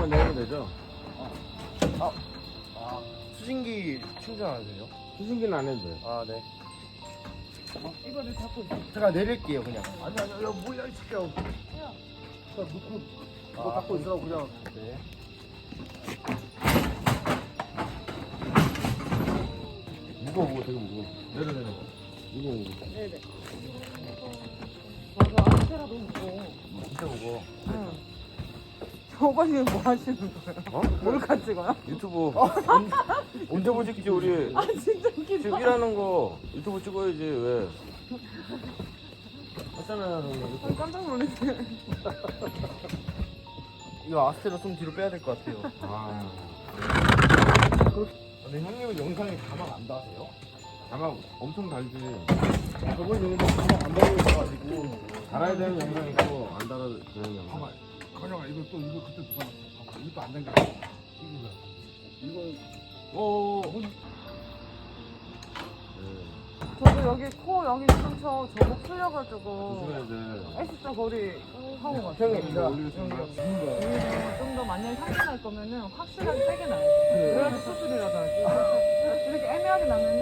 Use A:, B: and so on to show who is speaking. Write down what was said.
A: 정도만 내면 되죠?
B: 수신기 충전 안 되죠?
A: 수신기는 안 해도 돼.
B: 아, 네.
C: 이거를 잡고 있어.
B: 제가 내릴게요, 그냥.
D: 아니 야 뭐야 이 새끼야. 자 놓고 이거 닦고 있으라고 그냥.
B: 네.
A: 무거워, 되게 무거워.
D: 내려.
A: 무거워.
C: 네네. 맞아, 아스테라 너무 무거워.
A: 진짜 무거워.
C: 응. 저거 지금 뭐 하시는 거예요?
A: 어?
C: 몰카 찍어요?
A: 유튜브. 유튜브 찍지, 우리.
C: 아, 진짜 웃기다.
A: 지금 일하는 거 유튜브 찍어야지, 왜? 하잖아요, 형님.
C: 깜짝 놀랐어요.
B: 이거 아스테라 좀 뒤로 빼야 될 것 같아요.
A: 아.
B: 근데 형님은 영상에 자막 안 다세요?
A: 자막 엄청 달지.
B: 저번 영상 자막 안 달고 있어가지고.
A: 달아야 되는 영상 있고, 안 달아야 되는 영상.
D: 봐봐. 건영아 이거 그때 누가 놨어? 봐봐. 이것도 안 당겨. 이거
A: 오.
C: 저도 여기 코 여기 근처 저목 풀려가지고
A: 조심해야 돼.
C: S자 거리 하고 갔어요.
B: 형님,
A: 이거 올리겠습니다.
C: 좀 더 만약에 상처 날 거면은 확실하게 세게 나야 돼. 그래야지 수술이라도 하지. 이렇게 애매하게 나면은